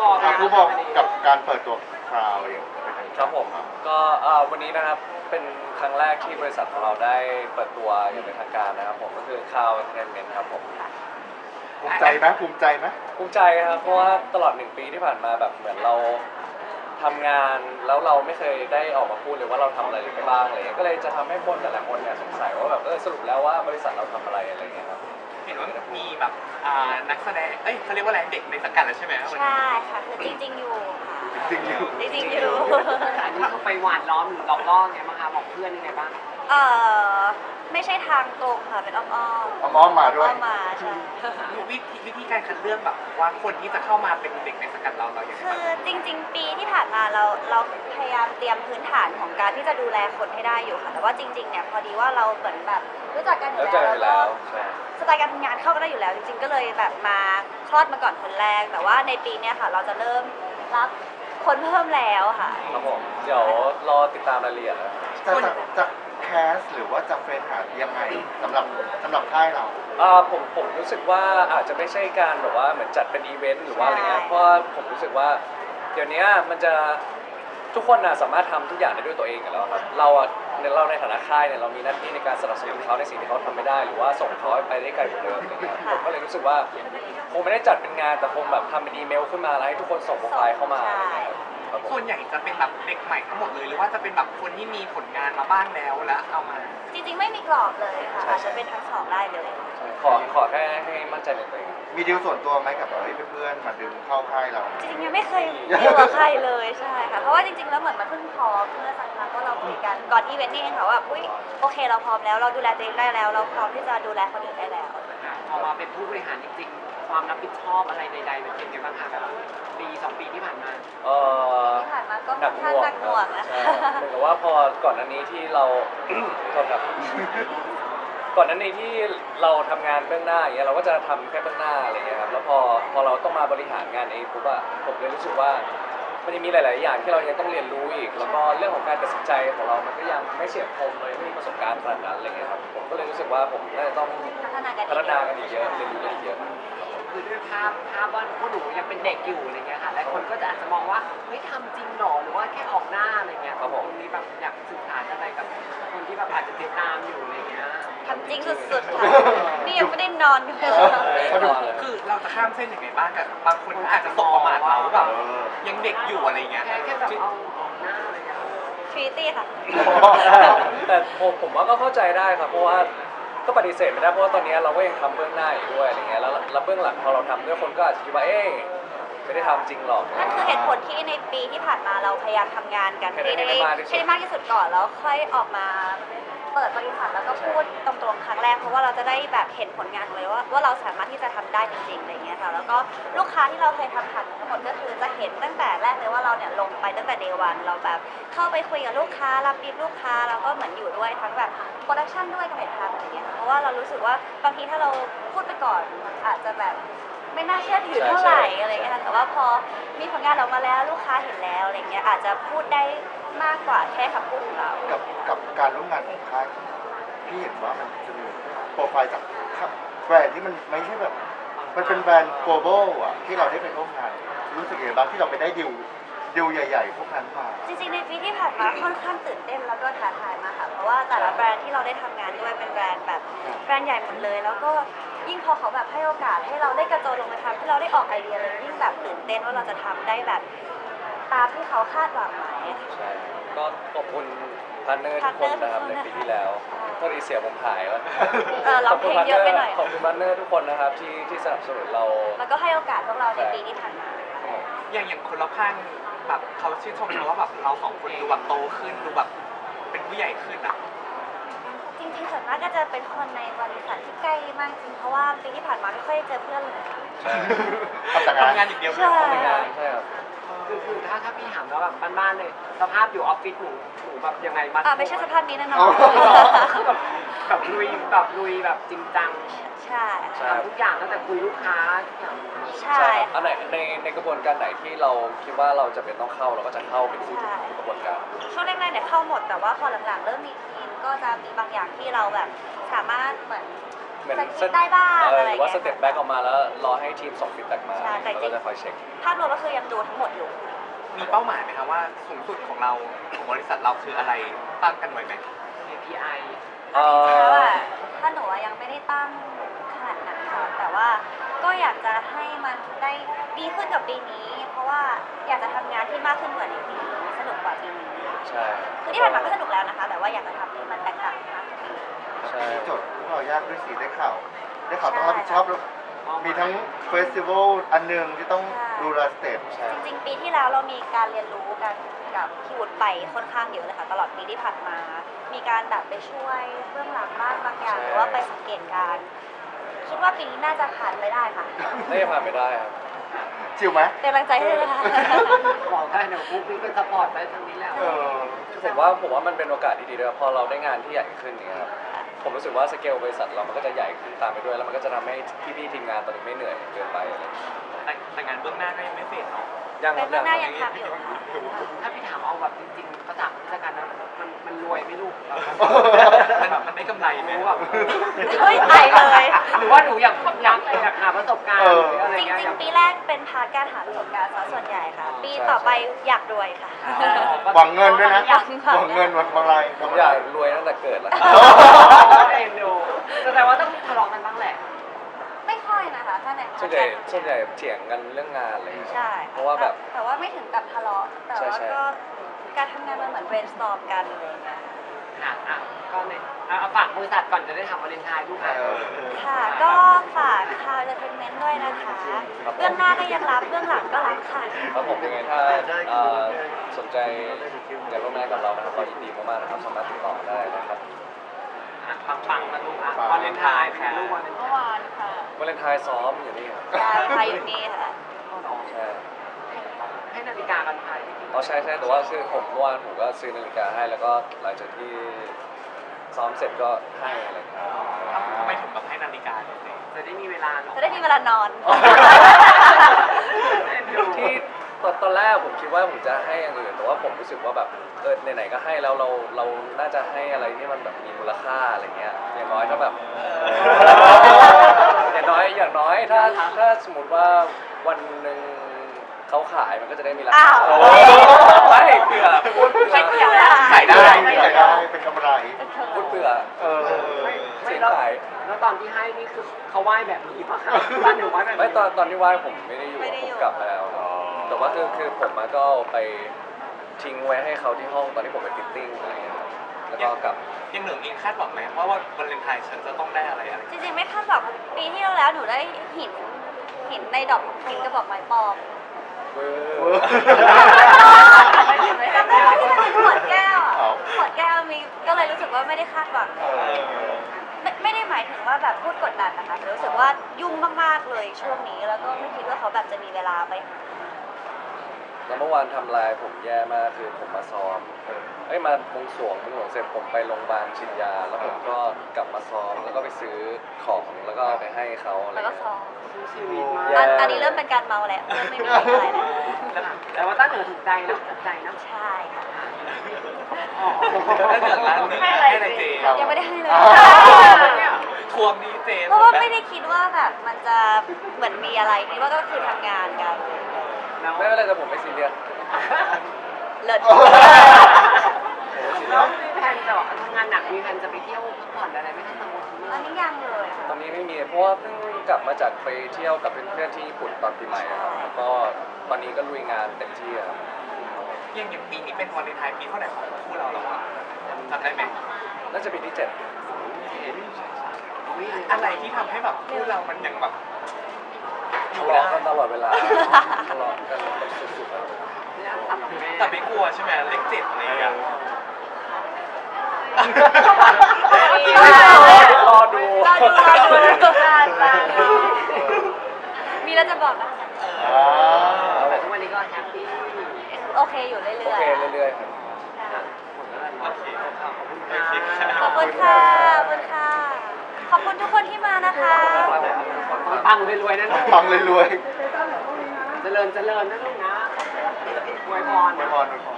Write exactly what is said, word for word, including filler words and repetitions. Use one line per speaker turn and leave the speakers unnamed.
บอกนะ
ผู้บอกกับการเปิดตัวคราวอย่างเป็นทาง
ค
กา
รับผมก็เอ่อวันนี้นะครับเป็นครั้งแรกที่บริษัทของเราได้เปิดตัวอย่างเป็นทางการนะครับผมก็คือ Cloud Entertainment ครับผม
ภูมิใจไหมภูมิใจไหม
ภูมิใจครับเพราะว่าตลอดหนึ่งปีที่ผ่านมาแบบเหมือนเราทำงานแล้วเราไม่เคยได้ออกมาพูดเลยว่าเราทำอะไรไปบ้างอะไรเงี้ยก็เลยจะทำให้คนแต่ละคนเนี่ยสงสัยว่าแบบเออสรุปแล้วว่าบริษัทเราทำอะไรอะไรเงี้ยครับ
เห็นว่ามีแบบอ่านักแสดงเอ้ยเขาเรียกว่าอะไรเด็กในสังกัดแล้วใช่ไหมวันนี้
ใช่ค่ะคือจริงๆอยู่ค่ะ
จริงๆอยู่
จริงๆอยู่
อันนี้เขาไปหวานล้อมหรือหลอกล่อไงบ้างคะบอกเพื่อนยังไงบ้าง
เออไม่ใช่ทางตรงค่ะเป็นอ้อมๆ
เอาอ้อมมาด้วย
อ้อมมาใช่
วิธีวิธีการคัดเลือกแบบว่าคนที่จะเข้ามาเป็นเด็กในสังกัดเราเราอย่างไร
คื
บ้าง
อจริง ๆ ปีที่ผ่านมาเราเราพยายามเตรียมพื้นฐานของการที่จะดูแลคนให้ได้อยู่ค่ะแต่ว่าจริงๆเนี่ยพอดีว่าเราเหมือนแบบรู้จักกันอยู่
แล้วเจอ
แล้ว
อยู่
แล้ว
แล้
ก็
วใช่
สไตล์การทำงานเข้ากันได้อยู่แล้ว จริง ๆ ก็เลยแบบมาคลอดมาก่อนคนแรก แต่ว่าในปีเนี้ยค่ะ เราจะเริ่มรับคนเพิ่มแล้วค่ะ
ครับผมเดี๋ยวรอติดตามรายละเอียดนะ
จะจะจะแคสหรือว่าจะเฟรนหายังไงสำหรับสำหรับค่ายเรา
อ่าผมผมรู้สึกว่าอาจจะไม่ใช่การแบบว่าเหมือนจัดเป็นอีเวนต์หรือว่าอะไรเงี้ย
ใช่
เพราะว่าผมรู้สึกว่าเดี๋ยวนี้มันจะทุกคนนะสามารถทำทุกอย่างได้ด้วยตัวเองอยู่แล้วครับเราอะในเราในฐานะค่ายเนี่ยเรามีหน้าที่ในการสนับสนุนเขาในสิ่งที่เขาทำไม่ได้หรือว่าส่งเขาไปได้ไกลกว่าเดิมอะไรเงี้ยผมก็เลยรู้สึกว่าคงไม่ได้จัดเป็นงานแต่คงแบบทำเป็นอีเมลขึ้นมาแล้วให้ทุกคนส่งโปรไฟล์เข้ามาอะไรเงี้ยครับครับผม
ส่วนใหญ่จะเป็นแบบเด็กใหม่ทั้งหมดเลยหรือว่าจะเป็นแบบคนที่มีผลงานมาบ้างแล้วแล้วเอามา
จริงๆไม่มีกรอบเลยค่ะอาจจะเป็นทั้งสองได้เลย
ขอขอแค่ให้มั่นใจในตัวเอง
มีดีลส่วนตัวไหมกับเอ้ยเพื่อนๆมาดึงเข้าค่ายเรา
จริงๆยังไม่เคยดีลกับใครเลยใช่ค่ะ เพราะว่าจริงๆแล้วเหมือนมันเพิ่งพร้อมเมื่อสักพักว่าเราคุยกันก่อนอีเวนต์นี่เองค่ะว่าอุ้ยโอเคเราพร้อมแล้วเราดูแลตัวเองได้แล้ว เราพร้อมที่จะดูแลคนอื่นได้แล้ว
พอมาเป็นผู้บริหารจริงๆ ความรับผิดชอบอะไรใดๆมันเป็นยังไงบ้างคะแบบปีสองปีที่ผ่านมา
เอ่อ
ที่ผ่านมาก็ค่อนข้างหนักหน่วงนะ
ใช่
คะ
เหมือนกับว่าพอก่อนอันนี้ที่เรา โทษครับ ก่อนอันนี้ที่เราทำงานเบื้องหน้าอย่างเงี้ยเราก็จะทำแค่เบื้องหน้าอะไรเงี้ยครับแล้วพอพอเราต้องมาบริหารงานเองปุ๊บอะผมเลยรู้สึกว่ามันยังมีหลาย ๆ อย่างที่เรายังต้องเรียนรู้อีก แล้วก็เรื่องของการตัดสินใจของเรามันก็ยังไม่เฉียบคมเลยไม่มีประสบการณ์ขนาดนั้นอะไรเงี้ยครับผมก็เลยรู้สึกว่าผมน่าจะต้อง
พัฒนากัน
พัฒนากันอีกเยอะเรียนรู้กันอีกเยอะ
คือด้วยภาพภาพว่าพวกหนูยังเป็นเด็กอยู่อะไรเงี้ยค่ะหลายคนก็จะอาจจะมองว่าเฮ้ยทำจริงหรอหรือว่าแค่ออกหน้าอะไรเงี้ย
ครับผม
ตรงนี้แบบอยากสื่อสารอะไรกับคนที่แบบอาจจะติดตามอยู่อะไรเงี้ย
ทำจริงสุดๆค่ะนี่ยังไม่ได้นอนกันเลย
เขาดูเลย
คือเราจะข้ามเส้นยังไงบ้างกับบางคนอาจจะตกประมาทเราแบบ
เออ
ยังเด็กอยู่อะไรเงี้ย
แค่แค่แบบเอาออกหน้าอะไรเงี้ย
ทรีตี้ค่ะ
แต่ผมผมว่าก็เข้าใจได้ครับเพราะว่าก็ปฏิเสธไม่ได้เพราะว่าตอนนี้เราก็ยังทำเบื้องหน้าอยู่ด้วยอะไรเงี้ยแล้วแล้วเบื้องหลังพอเราทำด้วยคนก็อาจจะคิดว่าเอ๊ะไม่ได้ทำจริงหรอก
นั่นคือเหตุผลที่ในปีที่ผ่านมาเราพยายามทำงานกัน
ให้
ให้
ได้
ได้
มากที่สุด
ให้ได้มากที่สุดก่อนแล้วค่อยออกมาเปิดบริษัทแล้วก็พูดตรงๆครั้งแรกเพราะว่าเราจะได้แบบเห็นผลงานเลยว่าว่าเราสามารถที่จะทำได้จริงๆอะไรเงี้ยค่ะแล้วก็ลูกค้าที่เราเคยทำผ่านทั้งหมดก็คือจะเห็นตั้งแต่แรกเลยว่าเราเนี่ยลงไปตั้งแต่เดวันเราแบบเข้าไปคุยกับลูกค้ารับบีฟลูกค้าแล้วก็เหมือนอยู่ด้วยทั้งแบบโปรดักชันด้วยกับเห็นทำอะไรเงี้ยค่ะเพราะว่าเรารู้สึกว่าบางทีถ้าเราพูดไปก่อนอาจจะแบบไม่น่าเชื่อถือเท่าไหร่อะไรเงี้ยค่ะแต่ว่าพอมีผลงานออกมาแล้วลูกค้าเห็นแล้วอะไรเงี้ยอาจจะพูดได้มากกว่าแค่คำพูดของเรา
กับกับการร่วมงานของค่ายพี่เห็นว่ามันจะมีโปรไฟล์จากแบรนด์ที่มันไม่ใช่แบบ มันเป็นแบรนด์ global อ่ะที่เราได้ไปร่วมงาน รู้สึกยังไงบ้างที่เราไปได้ดิวดิวใหญ่ ๆ พวกนั้นมา
จริงๆในปีที่ผ่านมาค่อนข้างตื่นเต้นแล้วก็ท้าทายมากค่ะเพราะว่าแต่ละแบรนด์ที่เราได้ทำงานด้วยเป็นแบรนด์แบบแบรนด์ใหญ่หมดเลย แล้วก็ยิ่งพอเขาแบบให้โอกาสให้เราได้กระโจนลงมาทำให้เราได้ออกไอเดียเลยยิ่งแบบตื่นเต้นว่าเราจะทำได้แบบตามที่เขาคาดหวังไหมค่ะ
ใช่ก็ขอบคุณพาร์ทเนอร์ทุกคนนะครับในปีที่แล้วโทษทีเสียผมหายแล้ว
เออร้องเพลงเยอะไปหน่อย
ขอบคุณพาร์ทเนอร์ทุกคนนะครับที่ที่สนับสนุนเรา
แล้วก็ให้โอกาสพวกเราในปีที่ผ่านมาค่ะ
อย่างอย่างคนรอบข้างแบบเขาชื่นชมเราว่าแบบเราสองคนดูแบบโตขึ้นดูแบบเป็นผู้ใหญ่ขึ้นอ่ะ
จริงๆส่วนมากก็จะเป็นคนในบริษัทที่ใกล้มากจริงเพราะว่าปีที่ผ่านมาไม่ค่อยเจอเพื่อนเลยค่ะ
ทำแต่งาน
ทำงานอย่างเดียว
ใช่
ทำงานใช่ครับ
คือคือถ้าถ้าพี่ถามแล้วแบบบ้านๆเลยสภาพอยู่ออฟฟิศหนูหนูแบบยังไงมา
อ่าไม่ใช่สภาพนี้แน่นอ
อ๋
น
อ
คือแบบแบบลุยแบบลุยแบบจริงจัง
ใช่
ใช่
ทำทุกอย่างตั้งแต่คุยลูกค้าทุกอย่าง
ใช่
ครับอันไหนในในกระบวนการไหนที่เราคิดว่าเราจะเป็นต้องเข้าเราก็จะเข้าไปสู่กระบวนการ
ช่วงแรกๆเนี่ยเข้าหมดแต่ว่าพอหลังๆเริ่มมีทีมก็จะมีบางอย่างที่เราแบบสามารถเหมือน
เหมือน
สกิปได้บ้าง
เออ
อะไร
ห
อ
รื
ย่าง
อว่า
เงี้ย
สเต็ปแบ็กออกมาแล้วรอให้ทีมส่งฟีดแบ็กมา
ใช่แต่
แล้ว
จริ
ก็
ง
จะคอยเช็ค
ภาพรวมก็คือยังดูทั้งหมดอยู่
มีเป้าหมายไหมครับว่าสูงสุดของเราของบริษัทเราคืออะไรตั้งกันไว้ไหม
เค พี ไอ
เอ่
จริงๆแล้ว
อ
อะถ้าหนูอะยังไม่ได้ตั้งขนาดนั้นค่ะแต่ว่าก็อยากจะให้มันได้ดีขึ้นกับปีนี้ เพราะว่าอยากจะทำงานที่มากขึ้นกว่าในปีนี้สนุกกว่าปีนี้
ใช่
คือที่ผ่านมาก็สนุกแล้วนะคะ แต่ว่าอยากจะทำให้มันแตกต่างมากขึ้น
ใช่
โจทย์ที่เรายากด้วยสิได้ข่าว ได้ข่าวต้องรับผิดชอบแล้วมีทั้งเฟสติวัลอันหนึ่งที่ต้องดูแลสเตจ
ใช่
จริงๆ ปีที่แล้วเรามีการเรียนรู้กันกับพี่วุฒิไปค่อนข้างเยอะเลยค่ะตลอดปีที่ผ่านมา มีการแบบไปช่วยเบื้องหลังบ้างบางอย่างหรือว่าไปสังเกตการณ์คิดว่าปีนี้น่าจะผ่านไปได้ค่ะ
ไม่ผ่านไม่ได้ครับ
จิวไหม
เป็นกำลังใจให้เลยนะคะ
บอกได้เดี๋ยวปุ๊บพี่ก็สปอร์ตไปทางนี้แล้ว
เออ
ผมว่าผมว่ามันเป็นโอกาสที่ดีด้วยพอเราได้งานที่ใหญ่ขึ้นเนี่ยครับผมรู้สึกว่าสเกลบริษัทเรามันก็จะใหญ่ขึ้นตามไปด้วย แล้วมันก็จะทำให้พี่ๆทีมงานตอนนี้ไม่เหนื่อยเกินไปอะไรอย่างเงี้ย
แต่แต่งานเบื้องหน้าก็ยังไม่เสร็จเนาะ
ยังค
เป็
รั
น
บ
เบื้องหน้า
ยั
ยัง งทำอยู่ค่ะ
ถ้าพี่ถามเอาแบบจริงๆภาษาราชการนะมันมันรวยไหม่ลูกแบบ
มันมันได้กำไรไหม
รู้แบบ
เฮ้ยไปเลย
หรือว่าหนูอยากอยากอยากหาประสบการณ์
เออ
หรืออะไร
จริง
เงี้ย
จริงๆปีแรกเป็นพาร์ทการหาประสบการณ์ซะส่วนใหญ่ค่ะ ปีต่อไปอยากรวยค่ะ
หวังเงินด้วยนะ
หวังค่ะ
หวังเงินหวังอะไร
ผมอยากรวยตั้งแต่เกิดแล้ว
เอ็นดูแสดงว่าต้องทะเลาะกันบ้างแหละ
ไม่ค่อยนะคะถ้าใน
ส่วนใหญ่ส่วนใหญ่เถียงกันเรื่องงานเลย
ใช่
เพราะว่าแบบ
แต่ว่าไม่ถึงกับทะเลาะแต่ว่า
ใช่
ก็การทำงานมันเหมือน brainstorm กันอะไรอย่างเงี้ย
ค่ะอ่ะก็เนี่ยเอาเอาฝากบริษัทก่อนจะได้ทำวาเลนไทน์ลูกค่ะ
เออ
ค่ะ ก็ฝากคาวเ e อร์เทนเมนต์ด้วยนะคะ เบื้องหน้าก็ยังรับ เบื้องหลังก็รับค่ะ
ครับผมยังไงถ้าเอ่อสนใจอยากร่วมงานกับเรานะครับก็ยินดีมากๆนะครับสามารถติดต่อได้นะครับ
อ่ะปังๆมาลูกอ่ะวาเลนไทน์ค่ะลูกวาเลนไท
เมื่อ
น์
วานค่ะ
วาเลนไทน์ซ้อมอยู่นี่ครับ
ใช่ใครอยู่นี่ค่ะ
ใช่
ให้นาฬิกากันไป
อ๋อใช่ใช่แต่ว่าคือผมเมื่อวานผมก็ซื้อนาฬิกาให้แล้วก็หลังจากที่ซ้อมเสร็จก็ให้อะไรอย่างเงี้ย
ทำไมถึงแบบให้นาฬิกาเลย
จะได้มีเวลาเนาะ
จะได้มีเวลานอน
ที่ตอนตอนแรกผมคิดว่าผมจะให้อย่างอื่นแต่ว่าผมรู้สึกว่าแบบเออไหนๆก็ให้แล้วเราเราน่าจะให้อะไรที่มันแบบมีมูลค่าอะไรเงี้ยอย่างน้อยถ้าแบบ อย่างน้อยอย่างน้อยถ้าถ้าสมมติว่าวันหนึ่งเขาขายมันก็จะได้มีรา
อ้า
คาว ไม่เผื่อพูดเผื่อ
ไม่เกี่ยว
ขายได้
ไม่อยากได้เป็นกำไร
พูดเผื่อ
เออ
เสียง
แล้ว
ขาย
แล้วตอนที่ให้นี่คือเขาไหว้แบบนี้ปะคะบ้านหนูไหว้แบบ
ไม่
นี้
ตอนตอนที่ไหว้ผมไม่ได้อยู่
ไม่ได้
ผ
อยู่
มกลับมาแล้วครับแต่ว่าคือคือผมมาก็เอาไปทิ้งไว้ให้เขาที่ห้องตอนที่ผมไปฟิตติ้งอะไรเงี้ยครับแล้วก็กลับ
ยังเหนึ่งเองคาดหวังไหมว่าวันวาเลนไทน์ฉันจะต้องได้อะไรอะไร
จริงๆไม่คาดหวังปีที่แล้วหนูได้หินหินในดอกหินกระบอกไม้ปลอม
เว้
เว้
ย
ย
จำได้ไหมที่มันเป็นขวดแก้วอะ
เอา
ขวดแก้วมีก็เลยรู้สึกว่าไม่ได้คาดหวัง
เออ
ไม่ไม่ได้หมายถึงว่าแบบพูดกดดันนะคะแต่รู้สึกว่ายุ่งมากๆเลยช่วงนี้ แล้วก็ไม่คิดว่าเขาแบบจะมีเวลาไปหา
แล้วเมื่อวานทำลายผมแย่มากคือผมมาซ้อมเอ้ยมาบวงสรวงบวงสรวงเสร็จผมไปโรงพยาบาลฉีดยา แล้วผมก็กลับมาซ้อมแล้วก็ไปซื้อของแล้วก็เอาไปให้เขาอะไร
แล้วก็
เงี้ย
ซ้อม
สู้ชีวิตมา
แย่
อันอันนี้เริ่มเป็นการเมาแล้วเริ่มไม่มีอะไรแล้ว
แต่ว่าตั้งหนูถูกใจนะถูกใจนะ
ใช่ค่ะ
อ๋อ
ถ้าเกิดร้านหนึ่งให้อะไรเจ
ยังไม่ได้ให้เลย
อ้าว
ทวงดีเจ
เพราะว่าไม่ได้คิดว่าแบบมันจะเหมือนมีอะไรคิดว่าก็คือทำงานกัน
แล้ว
ไม่เป็นไรแต่ผมไม่ซีเรียส
เลิศ
แล้วมีแผนจะแบบทำงานหนักมีแผนจะไปเที่ยวพักผ่อนอะไรไหม่ให้สมุทร
อันนี้ยังเลยค่ะ
ตอนนี้ไม่มีเพราะว่าเพิ่งกลับมาจากไปเที่ยวกับเพื่อนๆที่ญี่ปุ่นตอนปีใหม่อะครับแล้วก็ตอนนี้ก็ลุยงานเต็มที่อะครับ
ยังอย่างปีนี้เป็นวาเลนไทน์ปีเท่าไหร่ของคู่เราแล้วอะจำได้ไหม
น่าจะปีที่เจ็ด
อะไรที่ทำให้แบบคู่เรามันยังแบบอ
ทะ
ยู่
เลาะ
ได้
กันตลอดเวลาทะเลาะกันแบบสุดๆอะ
เนี่ยตัดกับแม่
แต่ไม่กลัวใช่ไหมเลขเจ็ดอะไรอย่างเงี้ย
รอดู
รอดูรอดูมีแล้วจะบอกนะ
อ่า
แต่ทุกวันนี้ก็แฮปปี้
โอเคอยู่เรื่
โอ
อย
เคเรื่อยๆครับ
โอเคขอบคุณ
ๆขอบคุณค่ะ ขอบคุณค่ะ ขอบคุณทุกคนที่มานะคะ
ปังรวยๆนะลูก
ฟังเลยรวย
เจริญเจริญนะลูกนะอวยพร
ๆไม่พอไม่พอ